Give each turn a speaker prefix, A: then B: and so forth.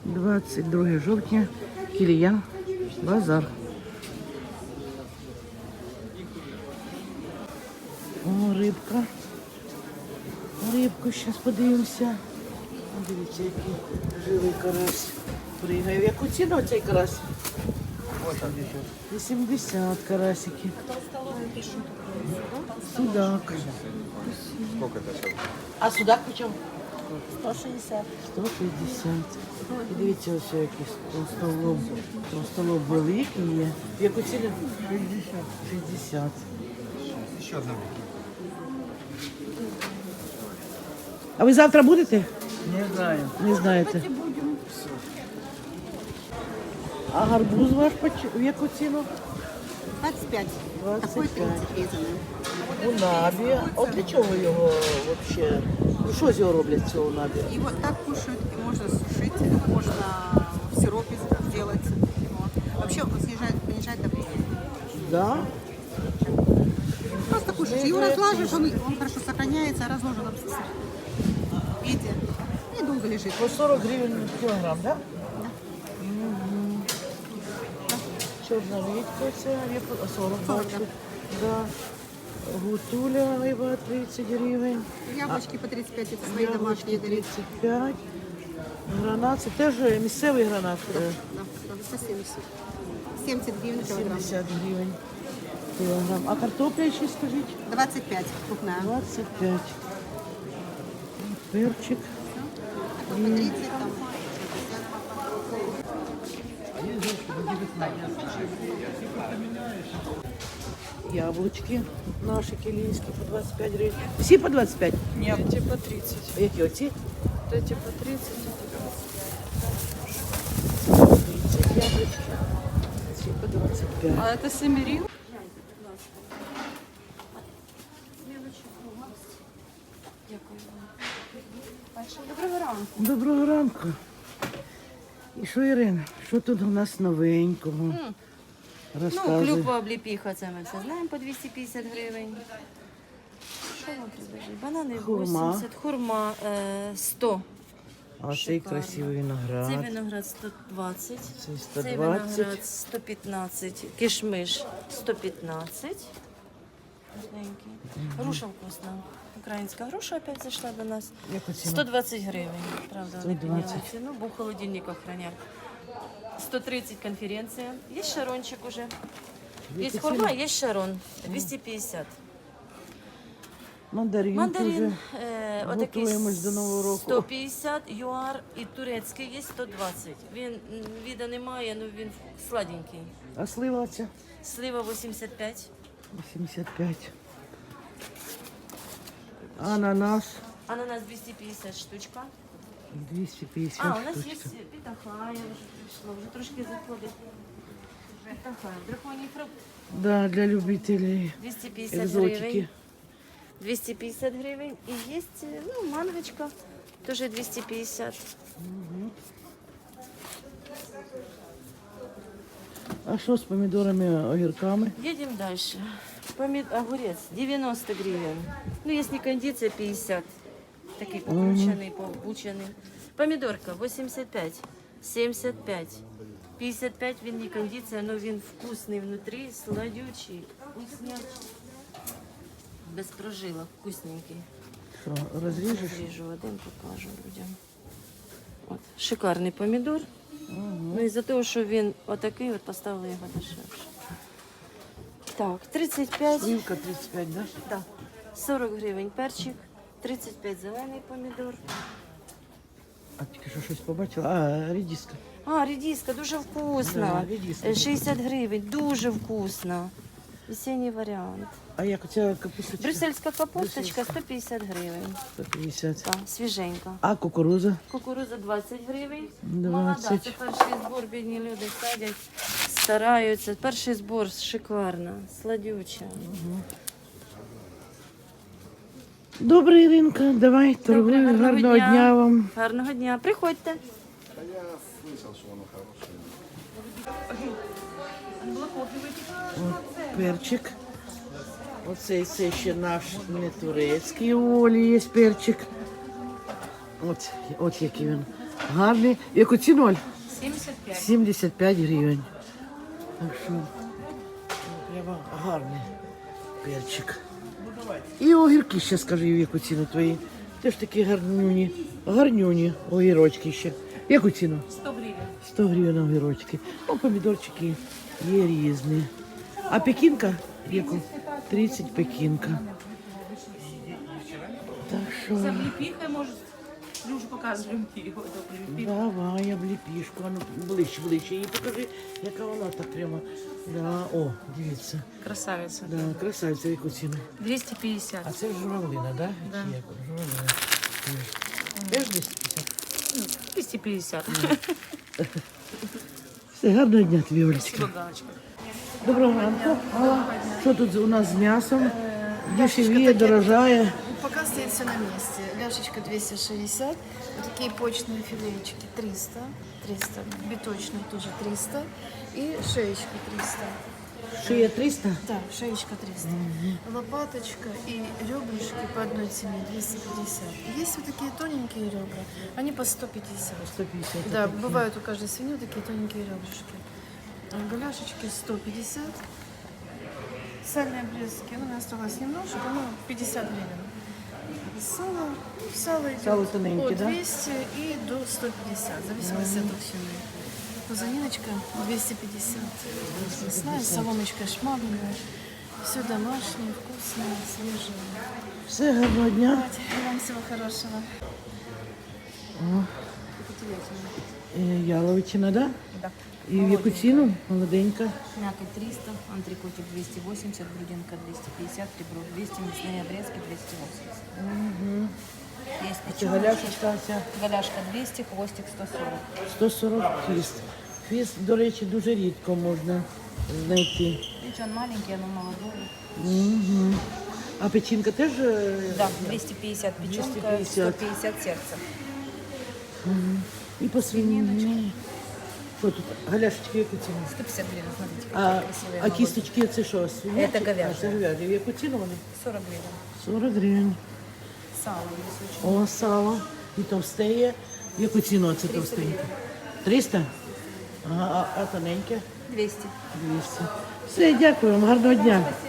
A: 22 жовтня, Кілія, базар. О, рибка. Рибку зараз подивимося. Дивіться, який живий карась пригає. В яку ціну цей карась? 80 карасики. Судак.
B: Сколько это сейчас?
A: А судак почем?
C: 160.
A: 160. І дивіться, ось який толстолоб великий є. В яку ціну? 60.
B: Еще одна.
A: А ви завтра будете?
B: Не знаю.
A: Не знаєте. А гарбуз ваш в яку ціну?
C: 25.
A: 25.
C: 30
A: У набі. От для чого його взагалі? Ну що з його роблять, цього набі?
C: Его так кушают, и можно сушить, можно в сиропе сделать. Вот. Вообще он понижает давление.
A: Да?
C: Просто кушаешь. Его разлаживаешь, он хорошо сохраняется, разложен в виде и долго лежит.
A: По 40 гривень кілограм, да? Чорна редька, це 40 бачу. Да. Гутуля айва 30 гривень.
C: Яблочки по 35, это свои домашние дарить.
A: 35. Гранат, це теж місцевий гранат.
C: Да, за 70. 70 гривен килограмм.
A: 70 гривень кілограм. А картопля ще скажіть?
C: 25 крупная.
A: 25. Перчик.
C: Такой по 30 там.
A: Яблучки наші кілійські по 25 гривень. Всі по 25?
D: Нет, эти по 30.
A: А які оці?
D: Вот эти по 30.
A: 30 яблучки. Ці по 25.
D: А это семерин? Доброго ранку.
A: Доброго ранку. І що, Ірина, що тут у нас новенького?
E: Ну,
A: Розказуй.
E: клюква обліпіха, це ми все знаємо, по 250 гривень. Що вам предложити? Банани
A: Хурма.
E: 80, хурма 100.
A: А цей
E: Шикарно.
A: красивий
E: Цей
A: виноград.
E: виноград 120.
A: Цей
E: Цей
A: 120.
E: виноград 115. Кишмиш 115. Вкусненький. Груша вкусна. Українська груша опять зайшла до нас.
A: Яку ціну?
E: 120 гривень. Правда, вони
A: 120.
E: підняли ціну, бо в холодильниках хранять. 130 конференція. Є шарончик уже. Є хурма, є шарон. 250.
A: Мандарин.
E: Мандарин отакий
A: готуємось до Нового року.
E: 150, юар і турецький є 120. Він віда немає, але він сладенький.
A: А слива ця?
E: Слива 85.
A: 85. Ананас.
E: Ананас 250 штучка.
A: 250
E: А, у нас є
A: штучка.
E: питахая, вже прийшло, вже трошки заходить. Питахая, драконій фрукт.
A: Да, для любителей
E: 250
A: екзотики.
E: гривень. 250 гривень. І є, ну, мангочка, теж 250.
A: А що з помідорами, огірками?
E: Едем дальше. Огурец 90 гривен. Ну, если кондиция 50. Такий покручений, побучений. Помідорка 85, 75, 55 він не кондиція, але він вкусний внутрі, сладючий, вкуснячий. Без прожилок, вкусненький.
A: Що, розріжеш?
E: Ріжу один, покажу людям. От, шикарний помідор. Ну, із-за того, що він отакий, от поставили його дешевше. Так, 35.
A: Сливка 35, да?
E: Так. 40 гривень перчик, 35 зелений помідор.
A: А тільки що щось побачила? А, редиска.
E: А, редиска дуже вкусна.
A: Да, редиска.
E: 60 гривень, дуже вкусна. Весенній варіант.
A: А як оця капусточка?
E: Брюссельська капусточка 150 гривень.
A: 150.
E: Так, свіженька.
A: А кукуруза?
E: Кукуруза 20 гривень.
A: 20.
E: Молода, це перший збор, бідні люди садять, стараються. Перший збор шикарна, сладюча.
A: Добре, Іринка, давай, торгуй. Гарного дня вам.
E: Гарного дня. Приходьте.
A: Перчик. Оцей це ще наш не турецький, у Олі є перчик. От який він Гарний. Яку ціну, Оль?
C: 75.
A: 75 гривень. Так що прямо гарний перчик. І огірки ще скажи, в яку ціну твої. Теж такі гарнюні. Гарнюні огірочки ще. В яку ціну?
C: 100 гривен.
A: 100 гривень огірочки. О, помідорчики є різні. А пекінка? Яку? 30 пекінка. Так що...
C: За облепихой, может, Люша показываем его.
A: Давай, обліпішку. А ну, ближче, ближче. Її покажи, яка вона так прямо. Да. О, дивіться.
C: Красавица.
A: Да, красавиця, яку ціну.
C: 250.
A: А це журавлина, да?
C: Да.
A: Чи як? Журавлина. Теж 250?
C: 250.
A: Все, гарного дня тобі, Олечка.
C: Спасибо, Галочка.
A: Доброго ранку. Алла. Що тут у нас з м'ясом? Дешевіє, дорожає.
F: Пока стоит все на месте. Ляшечка 260, вот такие почные филеечки 300, биточные тоже 300 и шеечка 300.
A: Шия 300?
F: Да, шеечка 300. Лопаточка и ребрышки по одной цене 250. Есть вот такие тоненькие ребра, они по 150.
A: 150.
F: Да, бывают у каждой свиньи вот такие тоненькие ребрышки. Голяшечки 150. Сальные обрезки, ну, у меня осталось немножко, ну, 50 гривен. Сало идет
A: Сало тоненькое,
F: от
A: да?
F: 200 и до 150, в зависимости от толщины. Пузаниночка 250. Мясная, соломочка шмагная. Все домашнее, вкусное, свежее.
A: Все, гарного дня.
F: Давайте, и вам всего хорошего.
A: Яловичина, да?
C: Да.
A: І в яку ціну? Молоденька.
C: Мякоть 300, антрикотик 280, грудинка 250, ребро 200, мясные обрезки 280. Есть
A: Це
C: печёночка.
A: галяшечка ця.
C: Голяшка 200, хвостик 140.
A: 140 фіст. Фіст, до речі, дуже рідко можна знайти.
C: Печён маленький, оно молодое.
A: А печінка теж?
C: Да, 250 печенка,
A: 250.
C: 150 сердце.
A: І по свинині. Що тут? Галяшечки в яку ціну?
C: 150 гривен, смотрите,
A: А,
C: какие красивые.
A: а кісточки це що? Свинячі?
C: Це говяжі.
A: А, це говяжі. В яку ціну вони?
C: 40 гривен.
A: 40 гривень.
C: Сало есть очень.
A: О, сало. І товстеє. В яку ціну це товстеньке? 300? Ага, а тоненьке?
C: 200.
A: 200. Все, дякую вам, гарного дня.